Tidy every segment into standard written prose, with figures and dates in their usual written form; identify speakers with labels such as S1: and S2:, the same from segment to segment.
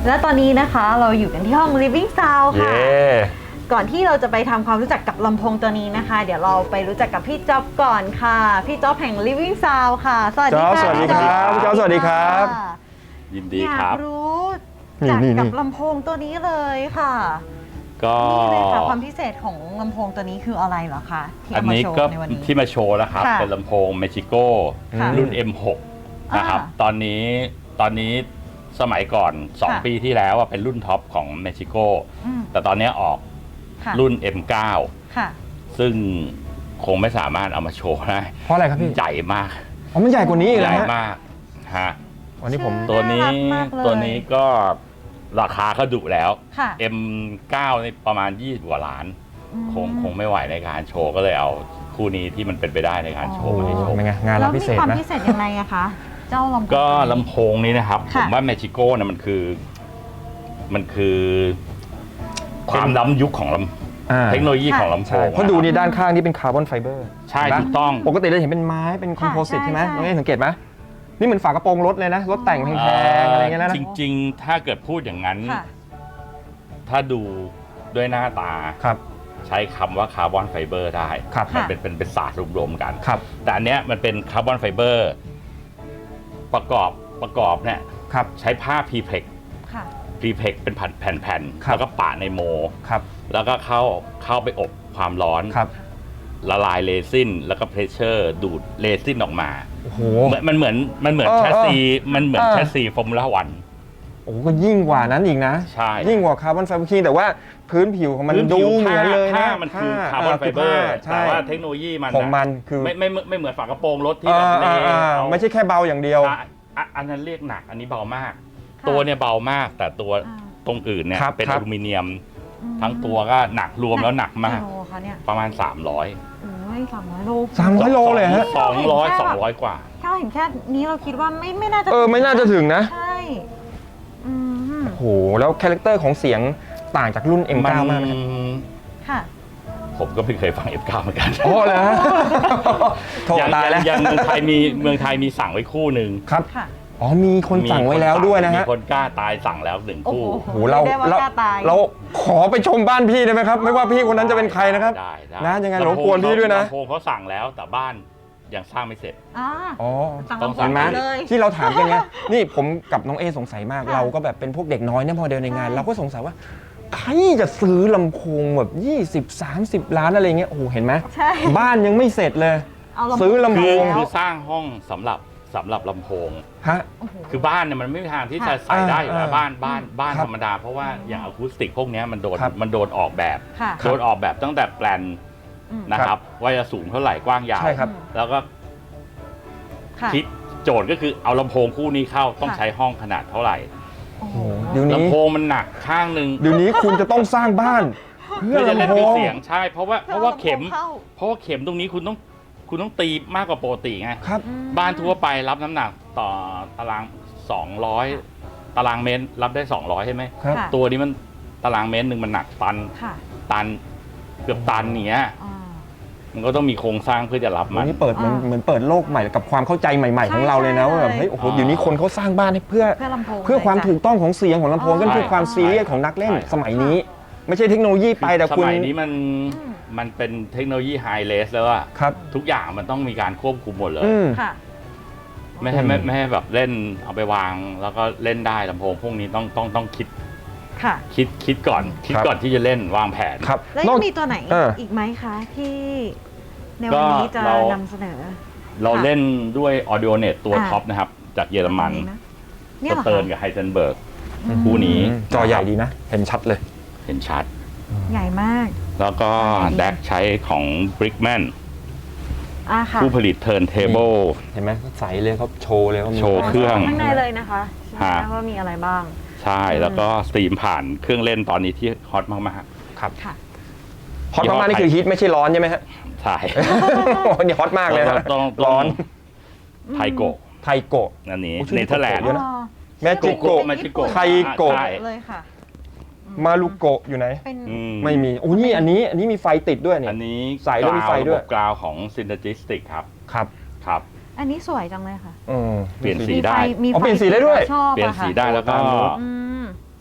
S1: และตอนนี้นะคะเราอยู่กันที่ห้อง Living Sound ค่ะก่อนที่เราจะไปทำความรู้จักกับลำโพงตัวนี้นะคะเดี๋ยวเราไปรู้จักกับพี่จ๊อบก่อนค่ะพี่จ๊อบแห่ง Living Sound ค่ะสวัสดีค่ะ
S2: สวัสดีครับพี่จ๊อบสวัสดีครับ
S3: ยินดีครับ
S1: อยากรู้จักกับลำโพงตัวนี้เลยค่ะ
S3: ก็
S1: นี่เลยค่ะความพิเศษของลำโพงตัวนี้คืออะไรเหรอคะที่เอามาโชว์ในวันนี้
S3: ที่มาโชว์นะครับเป็นลำโพงเมจิโก้รุ่น M6 นะครับตอนนี้สมัยก่อน2 ปีที่แล้วเป็นรุ่นท็อปของเมจิโก้แต่ตอนนี้ออกรุ่น M9 ซึ่งคงไม่สามารถเอามาโชว์ได้
S2: เพราะอะไรครับพี่
S3: ใหญ่มาก
S2: มันใหญ่กว่านี้อีก
S3: ใหญ่
S2: แล้ว
S3: มากฮะ
S2: วันนี้ผม
S3: ตัวนี้ก็ราคาก็ดุแล้ว M9 นี่ประมาณ20 กว่าล้านคงไม่ไหวในการโชว์ก็เลยเอาคู่นี้ที่มันเป็นไปได้ในการโชว์มาให้โชว์
S2: เป็นไงงานเราพิเศษนะ
S1: แล้วมีความพิเศษยังไงอะคะเจ้าลำโพง
S3: ก็ลำโพงนี้นะครับผมว่าเมจิโก้เนี่ยมันคือความล้ำยุคของเทคโนโลยีของลำโพง
S2: เพราะดูนี่ด้านข้างนี่เป็นคาร์บอนไฟเบอร์
S3: ใช่ถูกต้อง
S2: ปกติเราเห็นเป็นไม้เป็นคอมโพสิตใช่ไหมน้องเอ๋สังเกตไหมนี่เหมือนฝากระโปรงรถเลยนะรถแต่งแพงๆอะไรเงี้ยนะ
S3: จริงๆถ้าเกิดพูดอย่างนั้นถ้าดูด้วยหน้าตาใช้คำว่าคาร์บอนไฟเบอร์ได้มันเป็นศาสตร์รวมๆกันแต่อันเนี้ยมันเป็นคาร์บอนไฟเบอร์ประกอบเนี่ยใช้ผ้าพรีเพล็กเป็นแผ่นๆแล้วก็ปะในโมแล้วก็เข้าไปอบความร้อนละลายเรซินแล้วก็เพรสเชอร์ดูดเรซินออกมามันเหมือนแชสซีฟอร์มูล่าวัน
S2: โอ้ก็ยิ่งกว่านั้นอีกนะ
S3: ใช่
S2: ยิ่งกว่าคาร์บอนไฟเบอร์แต่ว่าพื้นผิวของมันดูเหมือนเลยนะ
S3: มันคือคาร์บอนไฟเบอร์แต่ว่าเทคโนโลยีมัน
S2: ของมันคือ
S3: ไม่เหมือนฝากระโปรงรถที่แบบ
S2: ไม่ใช่แค่เบาอย่างเดียว
S3: อันนั้นเรียกหนักอันนี้เบามากตัวเนี่ยเบามากแต่ตัวตรงอื่นเนี่ยเป็นอลูมิเนียมทั้งตัวก็หนักรวมแล้วหนักมากประมาณ300
S2: 300 โลเลยฮะ
S3: 200กว่า
S1: ถ้าเห็นแค่นี้เราคิดว่าไม่น่าจะ
S2: ไม่น่าจะถึงนะ
S1: ใช่
S2: โอ้โหแล้วคาแรคเตอร์ของเสียงต่างจากรุ่น M9 มาก
S1: ค่ะ
S3: ผมก็ไม่เคยฟัง M9 เหมือนกัน
S2: โอ้เลยโทษตายแล้ว
S3: ยังเมืองไทยมีสั่งไว้คู่หนึ่ง
S2: ครับอ๋อมีคนสั่งไว้แล้วด้วยนะฮะ
S3: มีคนกล้าตายสั่งแล้ว1 คู่
S2: โอ้โหเราขอไปชมบ้านพี่ได้ไหมครับไม่ว่าพี่คนนั้นจะเป็นใครนะครับนะยังไงรบกวนพี่ด้วยนะ
S3: ลำโพงเขาสั่งแล้วแต่บ้านยังสร้างไม่เสร็จ
S2: อ๋อ
S1: ต้องสั่งมาเลย
S2: ที่เราถามกันไงนี่ผมกับน้องเอสงสัยมากเราก็แบบเป็นพวกเด็กน้อยเนี่ยพอเดินในงานเราก็สงสัยว่าใครจะซื้อลำโพงแบบ20-30 ล้านอะไรเงี้ยโอ้โหเห็นไหมบ้านยังไม่เสร็จเลยซื้อลำโพง
S3: คือสร้างห้องสำหรับลำโพงคือบ้านเนี่ยมันไม่มีทางที่จะใส่ได้อยู่แล้วบ้านธรรมดาเพราะว่าอย่างอะคูสติกพวกนี้มันโดนออกแบบตั้งแต่แปลนนะครับว่าจะสูงเท่าไหร่กว้างยาวแล้วก็คิดโจทย์ก็คือเอาลำโพงคู่นี้เข้าต้องใช้ห้องขนาดเท่าไหร่ลำโพงมันหนักข้างหนึ่ง
S2: เดี๋ยวนี้คุณจะต้องสร้างบ้านเพื่อ
S3: จะเล่น
S2: มี
S3: เสียงใช่เพราะว่าเข็มตรงนี้คุณต้องตีมากกว่าปกติไงบ้านทั่วไปรับน้ำหนักต่อตาราง200ตารางเมตรรับได้200ใช่ไหมตัวนี้มันตารางเมตรหนึ่งมันหนักตันเกือบตันเนี้ยมันก็ต้องมีโครงสร้างเพื่อจะรับมัน
S2: นี่เปิดเหมือนเปิดโลกใหม่กับความเข้าใจใหม่ๆของเราเลยนะว่าแบบเฮ้ยโอ้โหเดี๋ยวนี้คนเขาสร้างบ้านให้เพื่อความถูกต้องของเสียงของลำโพงก็คือความซีเรียสของนักเล่นสมัยนี้ไม่ใช่เทคโนโลยีไปแต่คุณ
S3: สมัยนี้มันเป็นเทคโนโลยีไฮเลสแล้วอะทุกอย่างมันต้องมีการควบคุมหมดเลยไม่ให้แบบเล่นเอาไปวางแล้วก็เล่นได้ลำโพงพวกนี้ต้องคิดก่อนที่จะเล่นวางแผน
S1: แล้วยังมีตัวไหนอีกไหมคะที่ในวันนี้จะนำเสนอ
S3: เราเล่นด้วย AudioNet ตัวท็อปนะครับจากเยอรมันสเติร์นกับไฮเซนเบิร์กคู่นี้
S2: จอใหญ่ดีนะเห็นชัดเลย
S3: เห็นชัด
S1: ใหญ่มาก
S3: แล้วก็แดกใช้ของ Brickman ผู้ผลิตเทิร์นเทเบิล
S2: เห็นไหมใสเลยเขาโชว์เลยว่า
S3: โชว์เครื่อง
S1: ข้างในเลยนะคะว่ามีอะไรบ้าง
S3: ใช่แล้วก็สตรีมผ่านเครื่องเล่นตอนนี้ที่ฮอตมาก
S2: ๆครับฮอตมากๆนี่คือฮิตไม่ใช่ร้อนใช่ไหมฮะ
S3: ใช่
S2: นี่ฮอตมากเลยนะ
S3: ร้อนไทโกะอันนี้เนเธอร์แลนด์
S2: แมจิโกะไทโกะ
S1: เลยค่ะ
S2: มารุโกะอยู่ไหนไม่มีโอ้นี่อันนี้มีไฟติดด้วยเนี่ย
S3: อันนี้
S2: ใส่ด้วยมีไฟด้วย
S3: กราวของ Synergistic ครับ
S1: อันนี้สวยจังเลยค่ะ
S3: เปลี่ยนสีได้
S2: เปลี่ยนสีได้ด้วย
S3: เปลี่ยนสีได้แล้วก็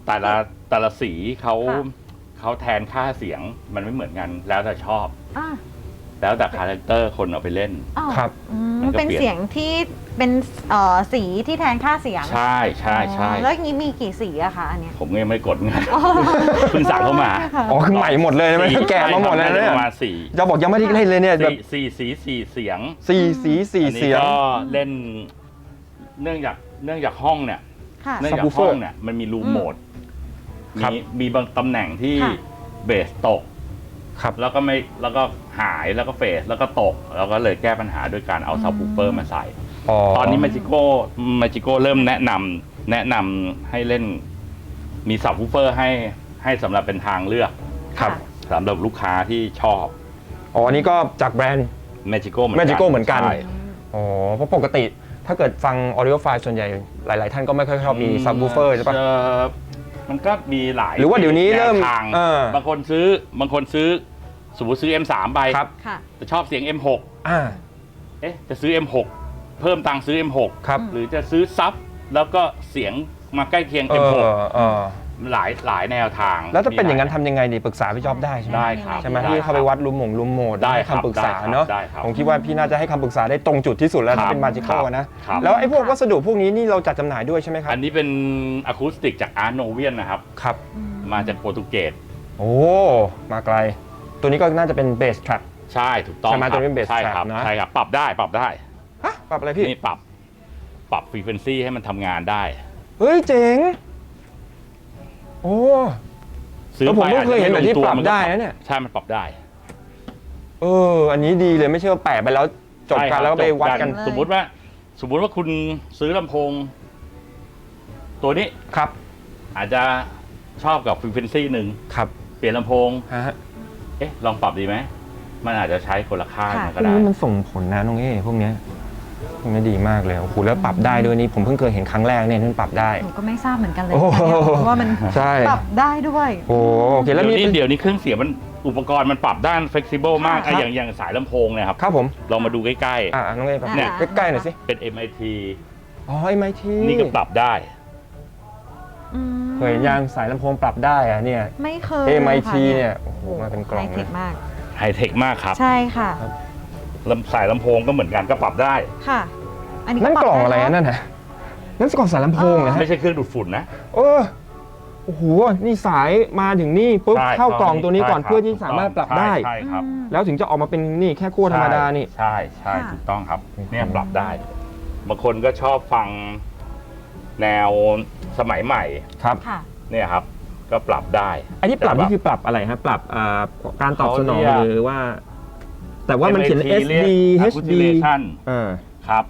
S3: แต่ละสีเขา
S1: ค่ะ
S3: เขาแทนค่าเสียงมันไม่เหมือนกันแล้วแต่ชอบ
S1: อ่า
S3: แล้วแต่คาแรคเตอร์คนเอาไปเล่น
S1: อ้าว
S2: ครับ
S3: มันก็
S1: เป็น
S3: เปลี่ยน
S1: เสียงที่เป็นสีที่แทนค่าเสียง
S3: ใช่ใช่ใช่
S1: แล้วอย่างนี้มีกี่สีอะคะอันเนี้ย
S3: ผมก็ยังไม่กดเงินเพิ่งสั่งเข้ามา
S1: ค่ะ
S2: อ๋อคือใหม่หมดเลยใช่ไหมแกะมาหมดเลยนะเนี่ย
S3: ประมาณสี่
S2: จะบอกยังไม่ได้เล่นเลยเนี่ยแบบ
S3: สี่สีสี่เสียง
S2: สี่สีสี่
S3: อันนี้
S2: เสียง
S3: ก็เล่นเนื่องจากห้องเนี่ย
S1: ค่ะ
S3: เนื่องจาก
S2: Subwoofer
S3: ห้องเนี่ยมันมีรูมโหมด
S2: ครับ
S3: มีบางตำแหน่งที่
S1: ค่ะ
S3: เบสตก
S2: ครับ
S3: แล้วก็หายแล้วก็เฟสแล้วก็ตก แล้วก็เลยแก้ปัญหาด้วยการเอาซับวูเฟอร์มาใส่ ตอนนี้มาจิโก้เริ่มแนะนำให้เล่นมีซับวูเฟอร์ให้สำหรับเป็นทางเลือก
S2: ครับ
S3: สำหรับลูกค้าที่ชอบ
S2: อ๋ออันนี้ก็จากแบรนด์
S3: Magico
S2: Magico เหมือนกัน
S3: ใช่
S2: อ๋อเพราะปกติถ้าเกิดฟัง audio file ส่วนใหญ่หลาย ๆ ท่านก็ไม่ค่อยชอบมี subwoofer ใช่ปะ
S3: มันก็มีหลาย
S2: หรือว่าเดี๋ยวนี้เริ่ม
S3: แนวทาง บางคนซื้อสมมติซื้อ M3 ไป
S2: ครับ
S1: ค่ะ
S3: แต่ชอบเสียง M6
S2: อ่า
S3: จะซื้อ M6 เพิ่มตังค์ซื้อ M6
S2: ครับ
S3: หรือจะซื้อซับแล้วก็เสียงมาใกล้เคียง M6 หลายแนวทาง
S2: แล้วถ้าเป็นอย่างนั้นทำยังไงดีปรึกษาพี่จ๊อบได้ใช่ไหม
S3: ได้ครับ
S2: ใช่ไหม
S3: ด้
S2: ที่เข้าไป
S3: ครับ
S2: วัดรูมโหมด
S3: ได้
S2: ให้
S3: ครับ
S2: คำปรึกษาเนาะ
S3: ได้ครับ
S2: ผมคิดว่าพี่น่าจะให้คำปรึกษาได้ตรงจุดที่สุดแล้ว
S3: ครั
S2: ถ้า
S3: บ
S2: เป็นมาจิโก้
S3: ครับ
S2: นะครับ แล้วไอ้พวกวัสดุพวกนี้นี่เราจัดจำหน่ายด้วยใช่ไหมครับ
S3: อันนี้เป็นอะคูสติกจากอาร์โนเวียนนะครับ
S2: ครับ
S3: มาจากโปรตุเกส
S2: โอ้มาไกล ตัวนี้ก็น่าจะเป็นเบสทรัค
S3: ใช่ถูกต้อง
S2: ใช่ไหม
S3: ครับ
S2: ตัวนี้เป็น bass
S3: ใช่ครับ
S2: trap นะ
S3: ใช่ครับ ปรับได้
S2: ฮะปรับอะไรพี่
S3: นี่ปรับฟรีเควนซีให้มันทำงานได้
S2: เฮ้ยเจ๋งโอ้ แล้วผมก็เคยเห็นแบบที่ปรับได้นะเนี่ย
S3: ใช่มันปรับได้
S2: อันนี้ดีเลยไม่ใช่ว่าแปะไปแล้วจบ
S3: ใช่ค
S2: กั
S3: รั
S2: นแล้วก็ไปวัดกัน
S1: จบกัน
S3: สมมุติว่าคุณซื้อลำโพง ตัวนี้
S2: ครับ
S3: อาจจะชอบกับฟรีเควนซีหนึ่ง
S2: ครับ
S3: เปลี่ยนลำโพง
S2: ฮะ
S3: ลองปรับดีไหมมันอาจจะใช้คนละค่าย
S1: ค่ะ
S3: มัน
S2: พ
S3: ก็
S2: วก
S3: ได้
S2: นี้มันส่งผลนะน้องเอ้พวกเนี้ยดีมากเลยโอ้โหแล้วปรับได้ด้วยนี่ผมเพิ่งเคยเห็นครั้งแรกเนี่ยที่มันปรับได้
S1: หนูก็ไม่ทราบเหมือนกันเลย
S2: โอ้โห
S1: เพราะว่ามัน
S2: ใช่
S1: ปรับได้ด้วย
S2: โอเคแล้วมี
S3: เดี๋ยวนี้เครื่องเสียงมันอุปกรณ์มันปรับด้าน flexible มาก
S1: ค่ะ
S3: อย่างสายลำโพงเนี่ยครับ
S2: ครับผม
S3: ลองมาดูใกล้
S2: น้องเอ้แบบ
S1: เนี่ย
S2: ใกล้ๆหน่อยสิ
S3: ๆ เป็น MIT
S2: อ๋อMIT
S3: นี่ก็ปรับได้
S1: อืม
S2: เคยเห็นยางสายลำโพงปรับได้อะเนี่ย
S1: ไม่เคย
S2: MIT
S1: ค่ะ
S2: เนี่ยโอ้โหมาเป็นกล่อง
S1: ไฮเทค
S2: เลย
S1: มาก
S3: ไฮเทคมากครับ
S1: ใช่ค่ะ
S3: สายลำโพงก็เหมือนกันก็ปรับได้
S1: ค่ะ อันนี้
S2: นั่น
S1: ปรับ
S2: กล่อง
S1: ด้
S2: อะไร
S1: เน
S2: นั่นน่ะนั่นกล่องสายลำโพงนะฮะ
S3: ไม่ใช่เครื่องดูดฝุ่นนะ
S2: โอ้โหนี่สายมาถึงนี่ปุ๊บ
S3: ใช่
S2: เข้ากล่องตัวนี้ก่อน
S3: ใช่ครับ
S2: เพื่อที่สามารถปรับได้
S3: ใช่ครับ
S1: อืม
S2: แล้วถึงจะออกมาเป็นนี่แค่ขั้วธรรมดานี่
S3: ใช่
S1: ค่ะ
S3: ถูกต้องครับ
S2: อืม
S3: เนี่ยปรับได้ บางคนก็ชอบฟังแนวสมัยใหม่
S2: ครับ
S1: ค่ะ
S3: เนี่ยครับ ก็ปรับได้
S2: อันนี้ปรับ
S3: แต่
S2: นี่คือปรับอะไรฮะปรับการตอบสนอง
S3: เขาเรียก
S2: หรือว่า แต่ว่ามันเขียน
S3: MIT
S2: SD
S3: เรียก
S2: HD
S3: Acousilation ครับ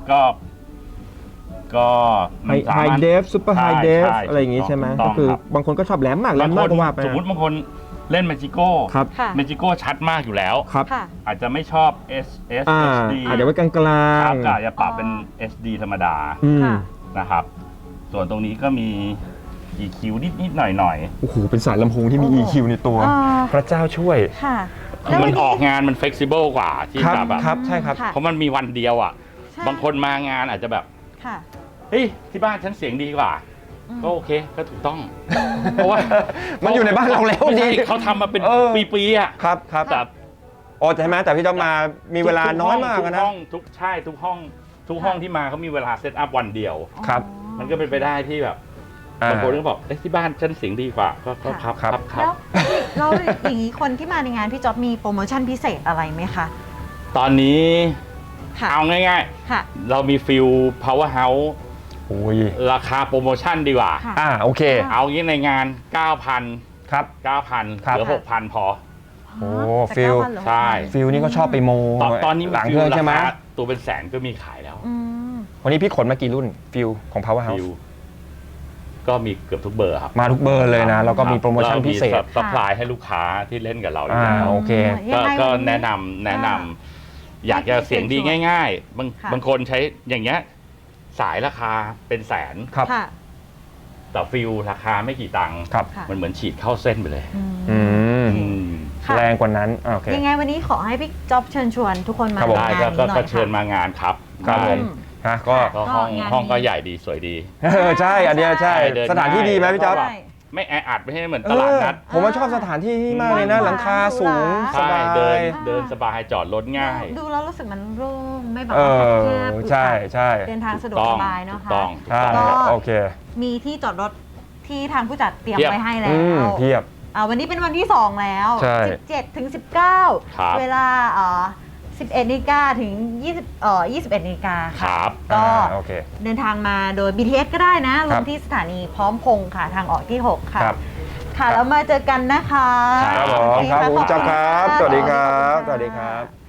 S3: ก็มันสา
S2: ไฮ
S3: มารถ
S2: เดฟซูเปอร์ไฮเดฟ
S3: ใช่
S2: อะไรอย่างงี้ใช่ไหม
S3: ถูกต้
S2: ก็
S3: อง
S2: คือ
S3: ครับ
S2: บางคนก็ชอบแหลมมากแหลมน้อยก็ว่าไป
S3: สมมติบางคนเล่น Magico
S2: ครับ
S1: ค่ะ
S3: Magico ชัดมากอยู่แล้ว
S2: ครับ
S1: ค่ะ
S3: อาจจะไม่ชอบ SD
S2: อาจจะไว้กลางกลา
S3: ครั
S2: ง
S3: บก็อาจจะปรับเป็น SD ธรรมดา
S1: ค่ะ
S3: นะครับ ส่วนตรงนี้ก็มี EQ นิดๆหน่อย
S2: โอ้โหเป็นสายลำโพงที่มี
S1: โอ้
S2: EQ ในตัว
S1: อ่า
S2: พระเจ้าช่วย
S1: ค่ะ
S3: ๆคือมันออกงานมัน flexible กว่าที่
S2: ครับ
S3: แบบ
S2: ครับใช่ครับ
S1: ค่ะ
S3: เพราะมันมีวันเดียวอ่ะ
S1: ใช่
S3: บางคนมางานอาจจะแบบ
S1: ค่ะ
S3: เฮ้ยที่บ้านฉันเสียงดีกว่า
S1: อืม
S3: ก็โอเคก็ถูกต้อง เพราะว่า
S2: มันอยู่ในบ้านเราแล้ว
S3: ไม่ใช่
S2: ดี
S3: เขาทำมาเป็น
S2: เออ
S3: ปีๆอ่ะ
S2: ครับครับ
S3: แต่
S2: โอ้ใช่ไหมแต่พี่ต้องมามีเวลาน้อยมาก
S3: ทุ
S2: อะ
S3: ก
S2: นะ
S3: ห้องทุกห้องที่มาเขามีเวลาเซตอัพวันเดียว
S2: ครับ
S3: มันก็เป็นไปได้ที่แบบบางคนก็บอกเอ้ยที่บ้านฉันเสียงดีกว่าก็ครับ
S2: ครับ
S1: แล้วเราอย่างนี้คนที่มาในงานพี่จ๊อบมีโปรโมชั่นพิเศษอะไรไหมคะ
S3: ตอนนี้
S1: ค่ะ
S3: เอาง่าย
S1: ค่ะ
S3: ๆ เรามีฟิล power house
S2: โอ้ย
S3: ราคาโปรโมชั่นดีกว่า
S1: ค่ะ
S2: โอเค
S3: เอางี้ในงาน 9,000
S2: ครับ
S3: 9,000
S2: ครับ
S3: เหลือ 6,000 พอ
S2: โอ้
S1: จาก
S2: ฟิล
S1: 9,000เหลือ
S3: ใช่
S1: 6,000
S2: ฟิลนี่ก็ชอบไปโม
S3: ตอนนี้
S2: หลัง
S3: ฟิ
S2: เค
S3: ล
S2: รื่อง
S3: รา
S2: ใช่ไหม
S3: คาตัวเป็นแสนก็มีขายแล้ว
S1: อืม
S2: วันนี้พี่ขนมากี่รุ่นฟิลของ Power
S3: ฟิ
S2: House
S3: ลก็มีเกือบทุกเบอร์ครับ
S2: มาทุกเบอร์เลยนะ แล้วก็มีโปรโมชั่นพิเศษ
S3: ซัพพลายให้ลูกค้าที่เล่นกับเราอยู่แล้ว
S2: โอเค
S1: ยังไง
S3: ก็
S1: วันนี้
S3: แนะนำอยากจะเสียงดีง่ายๆ
S1: ค่ะ
S3: บางคนใช้อย่างเงี้ยสายราคาเป็นแสน
S2: ครับ
S1: ค่ะ
S3: แต่ฟิลราคาไม่กี่ตังค์
S2: ครับ
S1: ค่ะ
S3: มันเหมือนฉีดเข้าเส้นไปเลย
S1: อืม
S2: อืม
S3: อืม
S1: ค่ะ
S2: แรงกว่านั้นโอเค
S1: ยังไงวันนี้ขอให้พี่จ๊อบเชิญชวนทุกคนมา
S2: ครับผม
S3: ได้
S1: งาน
S3: ก็
S1: นี้หน่อย
S3: ก็เชิญ
S1: ค่ะ
S3: มางานครับ
S2: ครับ
S3: ได้
S2: ผม ก็
S3: ก็ห้อง
S1: งานนี้
S3: ห้องก็ใหญ่ดีสวยดี
S2: ใช่อันเนี้ยใช่
S3: เดิน
S2: สถานที่ดีไหมพี่จ๊อบ
S3: ง่าย
S1: ใช่
S3: ไม่แออัดไม่ใช่เหมือนตลาดนัด
S2: ผมว่าชอบสถานที่ที่มากเลยนะ หลังคาสูงส
S3: ใช่
S2: บาย
S3: เดินสบายจอดรถง่าย
S1: ดูแล้วรู้สึกมันโล่งไม่แบบว่าแคบๆ
S2: ใช่ใช่
S1: เดินทางสะดวกสบายเนาะ
S3: ถูกต้อง
S2: ใช่
S1: ก็
S2: โอเค
S1: มีที่จอดรถที่ทางผู้จัดเตรียม
S3: เพียบ
S1: ไว้ให้แล้
S2: เพียบ
S1: วันนี้เป็นวันที่ 2 แล้ว
S2: ใช่
S1: 17 ถึง
S3: ครับ
S1: 19 เวลา11 นาฬิกาถึง 21 นาฬิกา
S3: ค
S1: ค่ะ
S3: รับ
S1: ก็
S2: โอเค
S1: เดินทางมาโดย BTS ก็ได้นะ ล
S2: ครั
S1: ง
S2: บ
S1: ที่สถานีพร้อมพงษ์ค่ะ ทางออกที่ 6 ค่ะ
S2: ครับ
S1: ค่ะ แล้วมาเจอกันนะคะ
S2: ครับผม
S1: โอเ
S2: ครับ
S1: ะ
S2: คุณจ๊อบครับ
S1: ขอณ
S2: สวัสดีครับ
S1: ขอณ
S2: สวัสดีครับ